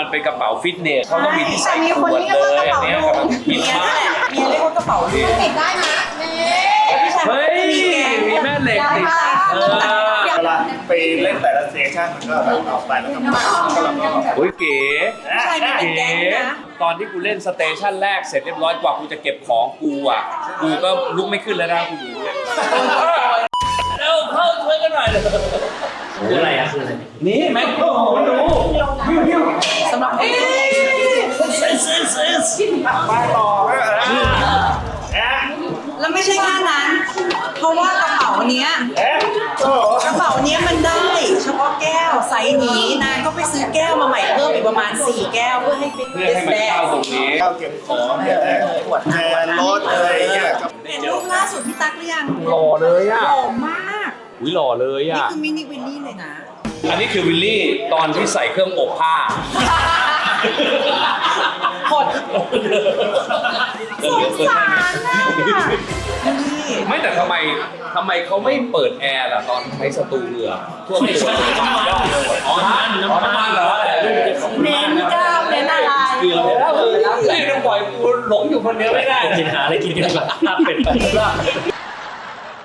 เป็นกระเป๋าฟิตเนสเขาต้องมีที่ใส่ขวดเลยอันเนี้ยกำลังคิดมากเมียเรียกว่ากระเป๋าลูกติดได้นะนี่เฮ้ยมีแม่เหล็กติดเวลาไปเล่นแต่ละสเตชันมันก็แบบออกไปแล้วก็มาแล้วก็โอ้ยเก๋ใช่เป็นเก๋แก๊งนะตอนที่กูเล่นสเตชันแรกเสร็จเรียบร้อยกว่ากูจะเก็บของกูอ่ะกูก็ลุกไม่ขึ้นแล้วนะกูอยู่เร็วเข้าช่วยกันหน่อยเลยคืออะไรอะคืออะไรนี่แม็กโครมาดูสำหรับเอ๊ะไปต่อแแล้วไม่ใช่แค่นั้น เพราะว่ากระเป๋าเนี้ยโอ้โหกระเป๋าเนี้ยมันได้เฉพาะแก้วไซส์นี้นางก็ไปซื้อแก้วมาใหม่เพิ่มอีกประมาณ4แก้วเพื่อให้ฟิตเพื่อให้มันเข้าตรงนี้ข้าวเก็บของเนี่ยแทนรถอะไรเงี้ยครับเห็นรูปล่าสุดพี่ตั๊กหรือยังหล่อเลยอ่ะหล่อมากอุ้ยหล่อเลยนี่อ่ะคือมินิวินนี่เลยนะอันนี้คือวิลลี่ตอนที่ใส่เครื่องอบผ้าหดสงสารนะนี่ไม่แต่ทำไมเขาไม่เปิดแอร์ล่ะตอนใช้สตูเรือท่วมตัวอ๋อน้ำมันเหรอเน้นกล้ามเน้นอะไรเกือบแล้วเลยต้องปล่อยกูหลงอยู่คนเดียวไม่ได้กินหาอะไรกินกันดีกว่าลาบเป็ดไป